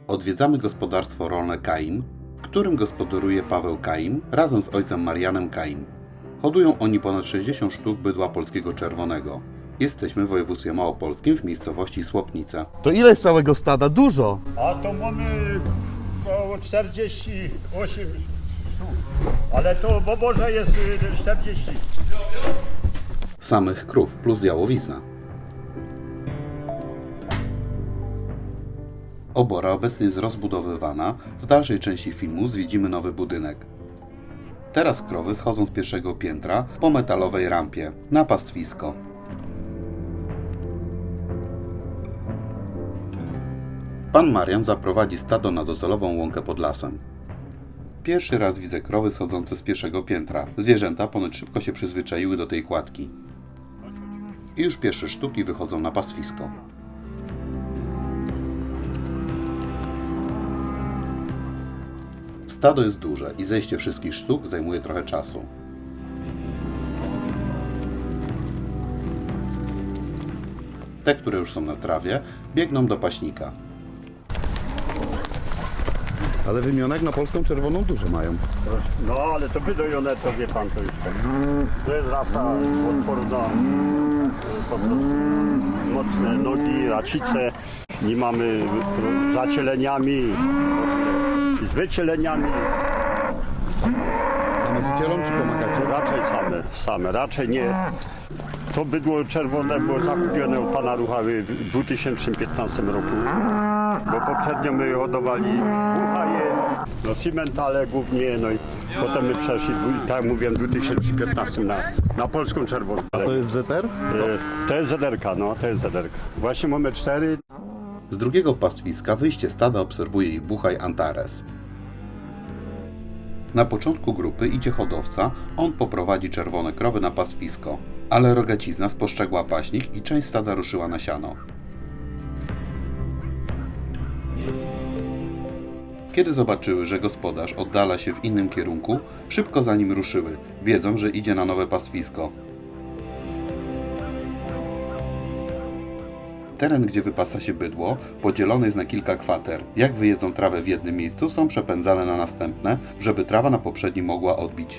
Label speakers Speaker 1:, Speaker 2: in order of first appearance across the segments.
Speaker 1: Odwiedzamy gospodarstwo rolne Kaim, w którym gospodaruje Paweł Kaim razem z ojcem Marianem Kaim. Hodują oni ponad 60 sztuk bydła polskiego czerwonego. Jesteśmy w województwie małopolskim w miejscowości Słopnice.
Speaker 2: To ile jest całego stada? Dużo.
Speaker 3: A to mamy około 48 sztuk, ale to w oborze jest 40.
Speaker 1: Samych krów plus jałowizna. Obora obecnie jest rozbudowywana. W dalszej części filmu zwiedzimy nowy budynek. Teraz krowy schodzą z pierwszego piętra po metalowej rampie na pastwisko. Pan Marian zaprowadzi stado na docelową łąkę pod lasem. Pierwszy raz widzę krowy schodzące z pierwszego piętra. Zwierzęta ponoć szybko się przyzwyczaiły do tej kładki. I już pierwsze sztuki wychodzą na pastwisko. Stado jest duże i zejście wszystkich sztuk zajmuje trochę czasu. Te, które już są na trawie, biegną do paśnika.
Speaker 2: Ale wymionek na polską czerwoną dużo mają.
Speaker 3: No ale to wydojone to wie pan to jeszcze. To jest rasa odporna, po prostu mocne nogi, racice. Nie mamy z zacieleniami, z wycieleniami.
Speaker 2: Same z ucielą czy pomagacie?
Speaker 3: Raczej same, raczej nie. To bydło czerwone było zakupione u pana Ruchały w 2015 roku, bo poprzednio my hodowali buchaje, no cimentale głównie, no i potem my przeszli, tak jak mówiłem, w 2015 na polską czerwoną.
Speaker 2: A to jest ZR?
Speaker 3: To jest zederka, no to jest zederka. Właśnie mamy 4.
Speaker 1: Z drugiego pastwiska wyjście stada obserwuje ich buchaj Antares. Na początku grupy idzie hodowca, on poprowadzi czerwone krowy na pastwisko, ale rogacizna spostrzegła paśnik i część stada ruszyła na siano. Kiedy zobaczyły, że gospodarz oddala się w innym kierunku, szybko za nim ruszyły, wiedzą, że idzie na nowe pastwisko. Teren, gdzie wypasa się bydło, podzielony jest na kilka kwater. Jak wyjedzą trawę w jednym miejscu, są przepędzane na następne, żeby trawa na poprzednim mogła odbić.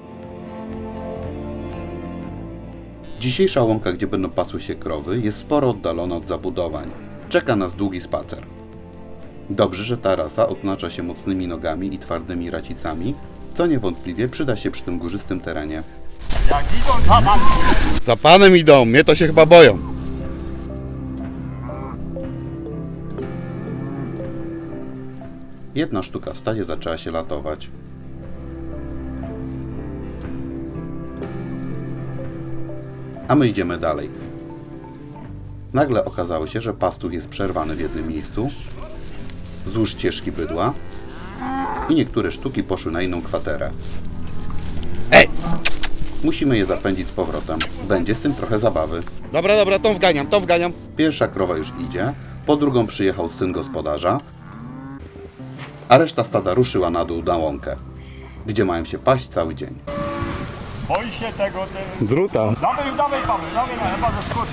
Speaker 1: Dzisiejsza łąka, gdzie będą pasły się krowy, jest sporo oddalona od zabudowań. Czeka nas długi spacer. Dobrze, że ta rasa odznacza się mocnymi nogami i twardymi racicami, co niewątpliwie przyda się przy tym górzystym terenie.
Speaker 3: Jak idą za nami.
Speaker 2: Za panem idą, mnie to się chyba boją.
Speaker 1: Jedna sztuka w stadzie zaczęła się latować. A my idziemy dalej. Nagle okazało się, że pastuch jest przerwany w jednym miejscu wzdłuż ścieżki bydła i niektóre sztuki poszły na inną kwaterę.
Speaker 2: Ej!
Speaker 1: Musimy je zapędzić z powrotem. Będzie z tym trochę zabawy.
Speaker 2: Dobra, tą wganiam.
Speaker 1: Pierwsza krowa już idzie, po drugą przyjechał syn gospodarza, a reszta stada ruszyła na dół na łąkę, gdzie mają się paść cały dzień.
Speaker 3: Boi się tego,
Speaker 2: Druta.
Speaker 3: Dawaj Paweł, chyba zaskoczy.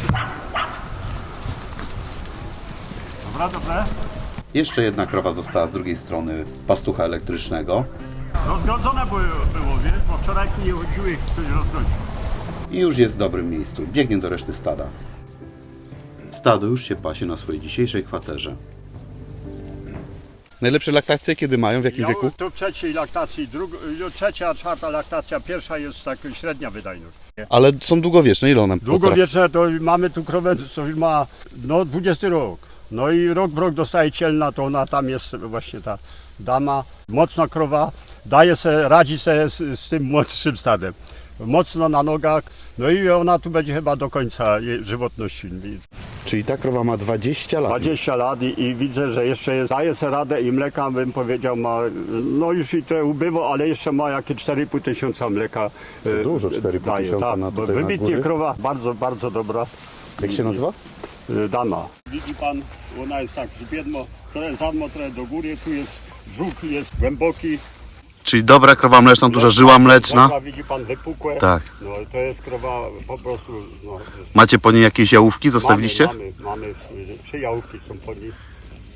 Speaker 3: Dobra.
Speaker 1: Jeszcze jedna krowa została z drugiej strony pastucha elektrycznego
Speaker 3: Rozgrodzone było, wiesz, bo wczoraj nie chodziły, ktoś rozgrodził.
Speaker 1: i już jest w dobrym miejscu. Biegnie do reszty stada. Stado już się pasie na swojej dzisiejszej kwaterze.
Speaker 2: Najlepsze laktacje kiedy mają? W jakim wieku?
Speaker 3: To w trzeciej laktacji, trzecia, czwarta laktacja, pierwsza jest tak średnia wydajność.
Speaker 2: Ale są długowieczne, ile one
Speaker 3: Długowieczne to mamy tu krowę, co ma 20 rok. No i rok w rok dostaje cielna, to ona tam jest właśnie ta dama, mocna krowa, radzi sobie z tym młodszym stadem. Mocno na nogach, no i ona tu będzie chyba do końca jej żywotności.
Speaker 2: Czyli ta krowa ma 20 lat.
Speaker 3: 20 lat i widzę, że jeszcze daje sobie radę i mleka, bym powiedział, ma, no już i trochę ubywa, ale jeszcze ma jakieś 4,5 tysiąca mleka.
Speaker 2: Dużo, 4,5 tysiąca na tutaj na
Speaker 3: wybitnie
Speaker 2: góry.
Speaker 3: krowa, bardzo, bardzo dobra.
Speaker 2: Jak się nazywa?
Speaker 3: Dama. Widzi pan, ona jest tak biedno, trochę zadmo, trochę do góry, tu jest brzuch, jest głęboki.
Speaker 1: Czyli dobra krowa mleczna, duża żyła mleczna.
Speaker 3: Noga, widzi pan, wypukłe.
Speaker 1: Tak.
Speaker 3: No to jest krowa po prostu. No,
Speaker 1: Macie po niej jakieś jałówki? Zostawiliście?
Speaker 3: Mamy 3 jałówki są po niej.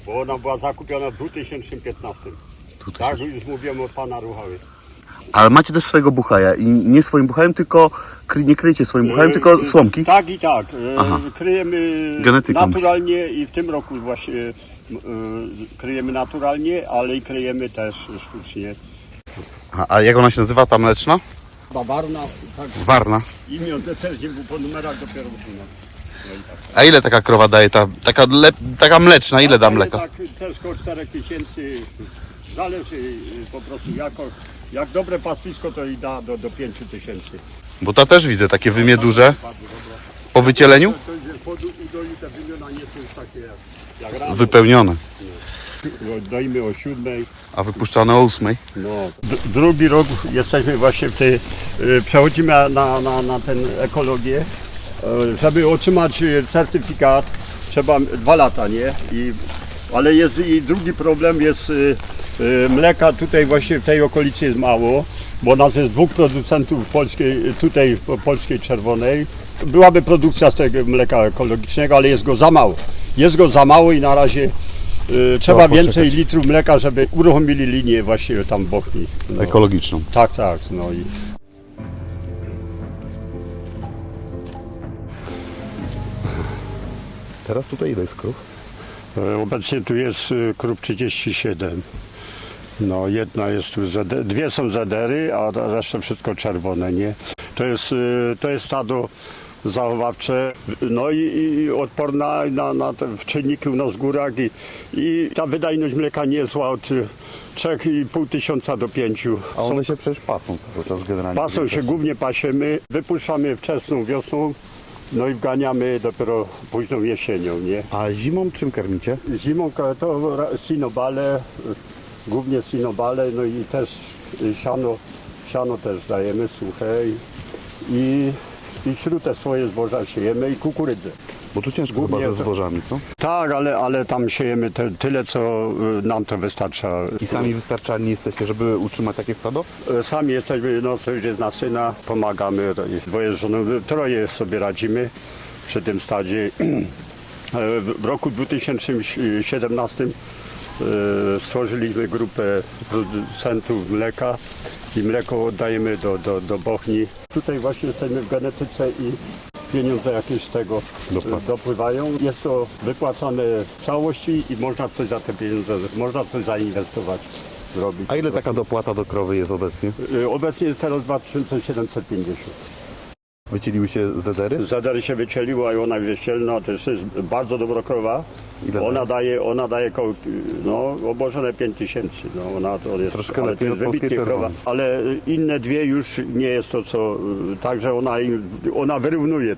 Speaker 3: bo ona była zakupiona w 2015. Tak, już mówiłem od pana Ruchały.
Speaker 2: Ale macie też swojego buchaja i nie swoim buchajem, tylko nie kryjecie swoim buchajem, tylko słomki?
Speaker 3: Tak i tak. Kryjemy
Speaker 2: Genetyką
Speaker 3: naturalnie i w tym roku właśnie kryjemy naturalnie, ale i kryjemy też sztucznie.
Speaker 2: A jak ona się nazywa, ta mleczna?
Speaker 3: Bawarna, tak.
Speaker 2: Warna.
Speaker 3: Imię to też nie było po numerach dopiero usunął. No i tak.
Speaker 2: A ile taka krowa daje, taka mleczna, ile da mleka?
Speaker 3: Tak, też około 4 tysięcy. Zależy po prostu jak dobre paswisko to i da do 5 tysięcy.
Speaker 2: Bo ta też widzę, takie wymie duże. Po wycieleniu?
Speaker 3: To jest po udoju te wymiona nie są już takie jak rano.
Speaker 2: Wypełnione.
Speaker 3: Doimy o 7.
Speaker 2: A wypuszczane o 8.
Speaker 3: No. Drugi rok jesteśmy właśnie w tej, przechodzimy na tę ekologię. Żeby otrzymać certyfikat trzeba 2 lata, nie? Ale jest i drugi problem jest mleka tutaj właśnie w tej okolicy jest mało, bo nas jest 2 producentów polskiej, tutaj polskiej czerwonej. Byłaby produkcja z tego mleka ekologicznego, ale jest go za mało. Jest go za mało i na razie trzeba więcej litrów mleka, żeby uruchomili linię właśnie tam w Bochni. No.
Speaker 2: Ekologiczną.
Speaker 3: Tak, tak. No i
Speaker 2: Teraz tutaj ile jest krów?
Speaker 3: obecnie tu jest krów 37. No jedna jest tu, dwie są zedery, a reszta wszystko czerwone, nie? To jest stado zachowawcze, no i odporna na te czynniki u nas w górach i ta wydajność mleka nie jest zła od 3,5 tysiąca do 5.
Speaker 2: A one się przecież pasą cały czas generalnie.
Speaker 3: Pasą się, głównie pasiemy, wypuszczamy wczesną wiosną, no i wganiamy dopiero późną jesienią, nie?
Speaker 2: A zimą czym karmicie?
Speaker 3: Zimą to sinobale, głównie sinobale, no i też siano też dajemy suche i śrutę swoje zboża siejemy i kukurydzę.
Speaker 2: Bo tu ciężko
Speaker 3: Głównie
Speaker 2: chyba ze
Speaker 3: to-
Speaker 2: zbożami, co?
Speaker 3: Tak, ale tam siejemy tyle, co nam to wystarcza.
Speaker 2: I sami wystarczalni jesteście, żeby utrzymać takie stado?
Speaker 3: Sami jesteśmy, no co już jest na syna, pomagamy, dwoje z żoną, 3 sobie radzimy przy tym stadzie. W roku 2017 stworzyliśmy grupę producentów mleka i mleko oddajemy do Bochni. Tutaj właśnie jesteśmy w genetyce i pieniądze jakieś z tego dopływają. Jest to wypłacane w całości i można coś za te pieniądze, można coś zainwestować, zrobić.
Speaker 2: A ile taka dopłata do krowy jest obecnie?
Speaker 3: Obecnie jest teraz 2750.
Speaker 2: Wycieliły się zedery?
Speaker 3: Zadary się wycieliła i ona jest wycielna, to jest bardzo dobra krowa.
Speaker 2: Ile
Speaker 3: Ona daje koło, no, obłożone 5000. No, to jest,
Speaker 2: Troszkę
Speaker 3: ale
Speaker 2: lepiej
Speaker 3: to
Speaker 2: od
Speaker 3: jest
Speaker 2: polskiej
Speaker 3: wybitnie krowa.
Speaker 2: czerwonej.
Speaker 3: Ale inne dwie już nie jest to co, także ona wyrównuje.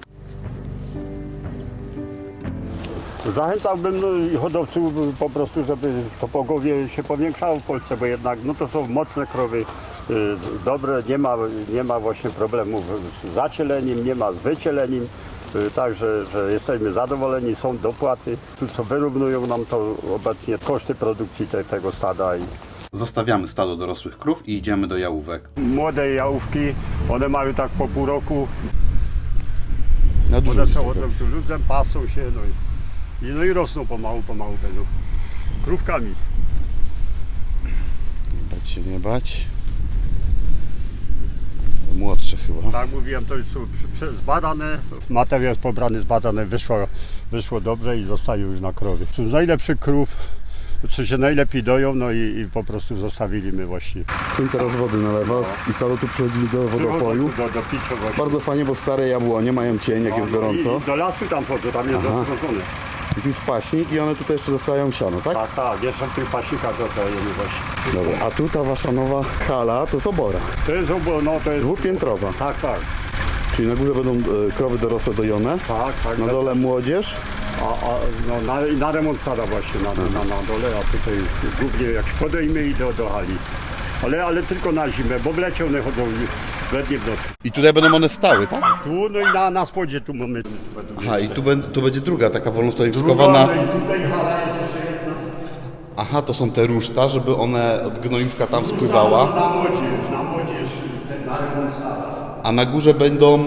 Speaker 3: Zachęcałbym hodowców po prostu, żeby to pogowie się powiększało w Polsce, bo jednak no to są mocne krowy, dobre, nie ma właśnie problemów z zacieleniem, nie ma z wycieleniem, także że jesteśmy zadowoleni, są dopłaty, tu co wyrównują nam to obecnie koszty produkcji tego stada.
Speaker 1: Zostawiamy stado dorosłych krów i idziemy do jałówek.
Speaker 3: Młode jałówki, one mają tak po pół roku,
Speaker 2: Na dużo.
Speaker 3: one przechodzą tu luzem, pasą się, no i rosną pomału będą krówkami.
Speaker 2: Bać się nie bać. Młodsze chyba.
Speaker 3: Tak mówiłem, to są zbadane, materiał jest pobrany, zbadany, wyszło dobrze i zostaje już na krowie. Są z najlepszych krów, co się najlepiej doją, no i po prostu zostawiliśmy właściwie.
Speaker 2: Syn teraz wody nalewa i stado tu przychodzili do wodopoju.
Speaker 3: Do picia właśnie.
Speaker 2: Bardzo fajnie, bo stare jabłonie mają cień, jak jest gorąco.
Speaker 3: I do lasu tam wchodzą, tam jest odgrodzone.
Speaker 2: I tu jest paśnik i one tutaj jeszcze dostają siano, tak?
Speaker 3: Tak, jeszcze w tych pasikach oddajemy właśnie.
Speaker 2: Dobra. A tu ta wasza nowa hala to jest obora.
Speaker 3: To jest to jest...
Speaker 2: Dwupiętrowa.
Speaker 3: Tak.
Speaker 2: Czyli na górze będą krowy dorosłe dojone.
Speaker 3: Tak.
Speaker 2: Na dole młodzież.
Speaker 3: Na remont stada właśnie na dole, a tutaj głównie jak podejmy i do hali. Ale tylko na zimę, bo w lecie one chodzą we dnie w nocy.
Speaker 2: I tutaj będą one stały, tak?
Speaker 3: Tu, no i na spodzie tu mamy.
Speaker 2: Aha, i tu będzie druga taka wolnostanowiskowana.
Speaker 3: No i tutaj hala jest jeszcze jedna.
Speaker 2: Aha, to są te ruszta, żeby one od gnojówka tam spływała.
Speaker 3: Na młodzież, na remont stada.
Speaker 2: A na górze będą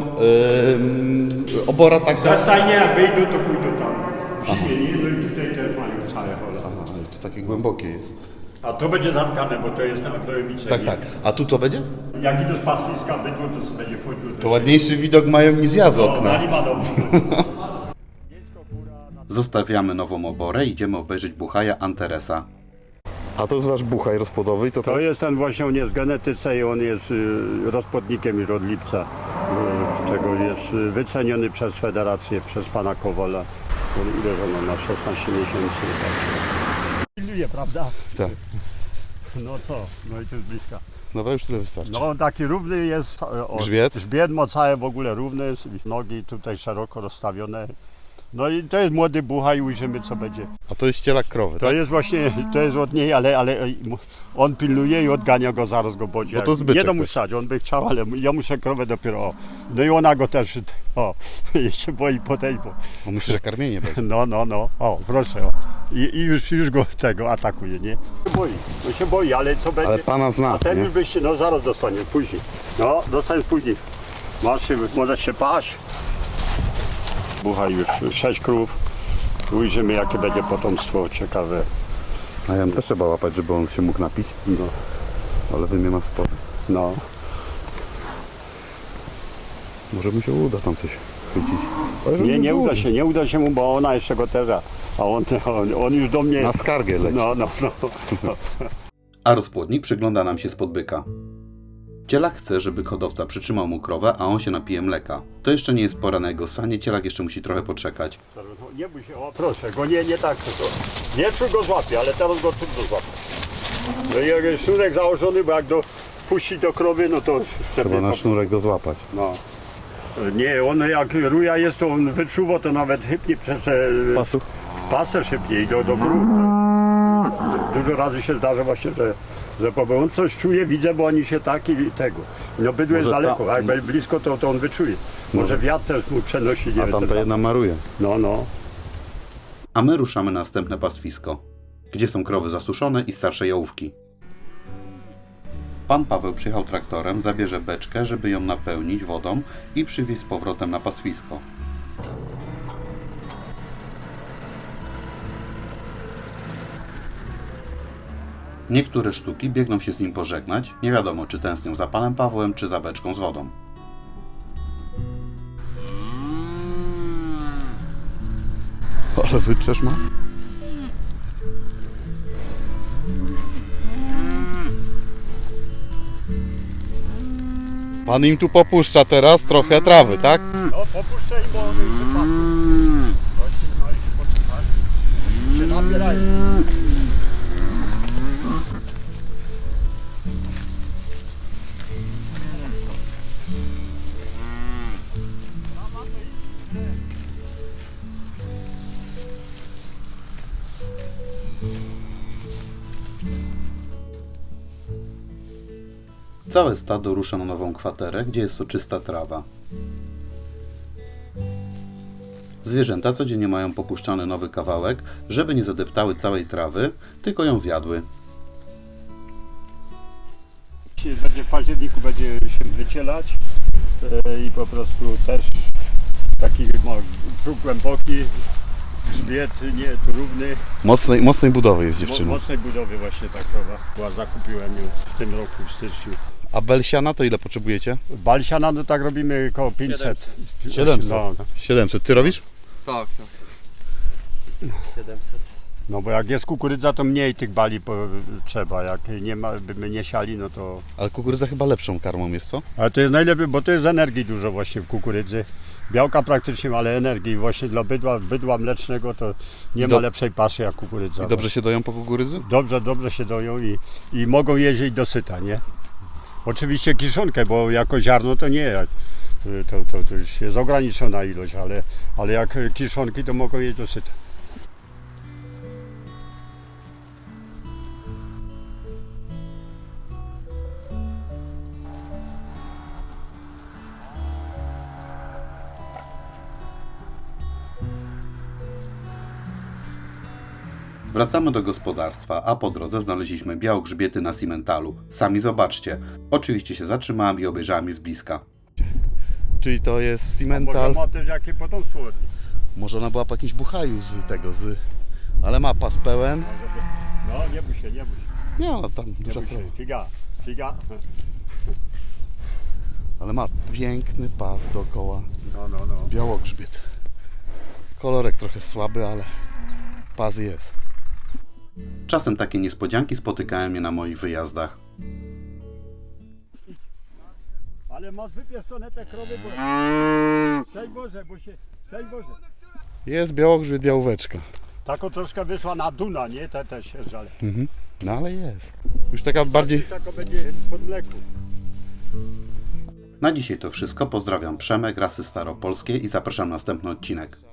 Speaker 2: obora taka.
Speaker 3: Za stajnie jak wyjdą, to pójdą tam. Zimie, no i tutaj też mają całe hola.
Speaker 2: takie głębokie jest.
Speaker 3: A to będzie zatkane, bo to jest na gnojowice.
Speaker 2: Tak, tak. A tu to będzie?
Speaker 3: Jak idę z pastwiska bydło, to sobie będzie wchodził.
Speaker 2: To ładniejszy widok mają niż ja z
Speaker 3: No,
Speaker 2: okna.
Speaker 3: nie ma dobrze.
Speaker 1: Zostawiamy nową oborę i idziemy obejrzeć buchaja Anteresa.
Speaker 2: A to jest wasz buchaj rozpłodowy i co
Speaker 3: To jest ten właśnie, on jest w genetyce i on jest rozpłodnikiem już od lipca, czego jest wyceniony przez federację, przez pana Kowola. Ile żona ma? 16 miesięcy. Pilnuje, prawda?
Speaker 2: Tak.
Speaker 3: No co? No i to jest bliska.
Speaker 2: Dobra, już tyle wystarczy.
Speaker 3: No taki równy jest.
Speaker 2: Grzbiet?
Speaker 3: Grzbiet ma całe w ogóle równy, nogi tutaj szeroko rozstawione. No i to jest młody buchaj, ujrzymy co będzie.
Speaker 2: A to jest cielak krowy,
Speaker 3: To
Speaker 2: tak?
Speaker 3: jest właśnie, to jest od niej, ale on pilnuje i odgania go, zaraz go bodzi.
Speaker 2: Bo to zbyczek
Speaker 3: Nie do mu
Speaker 2: też.
Speaker 3: stać, on by chciał, ale ja muszę krowę dopiero, o. No i ona go też, o, się boi podejść, bo,
Speaker 2: Bo myślę, że karmienie będzie.
Speaker 3: no, o, proszę, o. I już go tego atakuje, nie? On się boi, ale co będzie?
Speaker 2: Ale pana zna,
Speaker 3: A ten
Speaker 2: nie?
Speaker 3: już byście, no zaraz dostanie, później. No, dostaniesz później. Możesz się paść. Buchaj już 6 krów. Ujrzymy jakie będzie potomstwo, ciekawe.
Speaker 2: A Jan też trzeba łapać, żeby on się mógł napić.
Speaker 3: No.
Speaker 2: Ale wymie ma sporo.
Speaker 3: No.
Speaker 2: Może mu się uda tam coś chwycić. Ale żeby
Speaker 3: Nie
Speaker 2: duży.
Speaker 3: nie uda się mu, bo ona jeszcze go terza. A on już do mnie.
Speaker 2: Na skargę leci.
Speaker 3: No.
Speaker 1: A rozpłodnik przygląda nam się spod byka. Cielak chce, żeby hodowca przytrzymał mu krowę, a on się napije mleka. To jeszcze nie jest pora na jego sanie, cielak jeszcze musi trochę poczekać.
Speaker 3: Nie bój się, o proszę, go nie tak. Nie czuł go złapie, ale teraz go trudno złapie. No i jak jest sznurek założony, bo jak puści do krowy, no to wtedy.
Speaker 2: Trzeba na sznurek go złapać.
Speaker 3: No. Nie, on jak ruja jest, to on wyczuwa, to nawet chybnie przez
Speaker 2: Pasu?
Speaker 3: w pasę szybciej i do krów. Dużo razy się zdarza właśnie, że on coś czuje, widzę, bo oni się tak i tego. No bydło jest
Speaker 2: Może
Speaker 3: daleko, a jak będzie blisko, to on wyczuje. Może wiatr też mu przenosi, nie
Speaker 2: A
Speaker 3: wiem,
Speaker 2: tamta
Speaker 3: te
Speaker 2: jedna maruje.
Speaker 3: No.
Speaker 1: A my ruszamy na następne pastwisko, gdzie są krowy zasuszone i starsze jałówki. Pan Paweł przyjechał traktorem, zabierze beczkę, żeby ją napełnić wodą i przywieźć z powrotem na pastwisko. Niektóre sztuki biegną się z nim pożegnać, nie wiadomo czy tęsknią za panem Pawłem, czy za beczką z wodą.
Speaker 2: Ale wytrzesz ma? Pan im tu popuszcza teraz trochę trawy, tak?
Speaker 3: No popuszczaj, bo on już wypadł. Właśnie, no i się poczytać. Się napierają.
Speaker 1: Całe stado rusza na nową kwaterę, gdzie jest soczysta trawa. Zwierzęta codziennie mają popuszczany nowy kawałek, żeby nie zadeptały całej trawy, tylko ją zjadły.
Speaker 3: Będzie w październiku będzie się wycielać i po prostu też taki brzuch głęboki, grzbiet nie tu równy.
Speaker 2: Mocnej budowy jest dziewczyna.
Speaker 3: Mocnej budowy właśnie ta krowa była, zakupiłem ją w tym roku w styczniu.
Speaker 2: A belsiana to ile potrzebujecie?
Speaker 3: Balsiana no tak robimy około 500.
Speaker 2: 700.
Speaker 3: No,
Speaker 2: 700. Ty robisz?
Speaker 4: Tak. 700.
Speaker 3: no bo jak jest kukurydza, to mniej tych bali trzeba. Jak nie ma, by nie siali, no to...
Speaker 2: Ale kukurydza chyba lepszą karmą jest, co?
Speaker 3: Ale to jest najlepiej, bo to jest energii dużo właśnie w kukurydzy. Białka praktycznie, ale energii właśnie dla bydła mlecznego to nie ma lepszej paszy jak kukurydza.
Speaker 2: I dobrze się doją po kukurydzy?
Speaker 3: Dobrze się doją i mogą jeździć dosyta, nie? Oczywiście kiszonkę, bo jako ziarno to nie, to już jest ograniczona ilość, ale jak kiszonki to mogą jeść dosyta.
Speaker 1: Wracamy do gospodarstwa, a po drodze znaleźliśmy białogrzbiety na cimentalu. Sami zobaczcie. Oczywiście się zatrzymałem i obejrzałem je z bliska.
Speaker 2: Czyli to jest
Speaker 3: Może
Speaker 2: cimental.
Speaker 3: ma też jakie potomstwo od nich.
Speaker 2: Może ona była po jakimś buchaju z tego, ale ma pas pełen.
Speaker 3: No, nie bój się, nie bój się.
Speaker 2: Nie, no tam
Speaker 3: Nie
Speaker 2: duża
Speaker 3: bój
Speaker 2: krowa.
Speaker 3: się. Figa, figa.
Speaker 2: Ale ma piękny pas dookoła.
Speaker 3: No.
Speaker 2: Białogrzbiet. Kolorek trochę słaby, ale pas jest.
Speaker 1: Czasem takie niespodzianki spotykają mnie na moich wyjazdach.
Speaker 3: Ale masz wypieszczone te krowy, bo... Cześć Boże, bo się... Cześć Boże.
Speaker 2: Jest białogrzbiet, jałóweczka.
Speaker 3: Tako troszkę wyszła na duna, nie? Te sierżale.
Speaker 2: No ale jest. Już taka bardziej...
Speaker 3: Tako będzie pod mleku.
Speaker 1: Na dzisiaj to wszystko. Pozdrawiam, Przemek, Rasy Staropolskie i zapraszam na następny odcinek.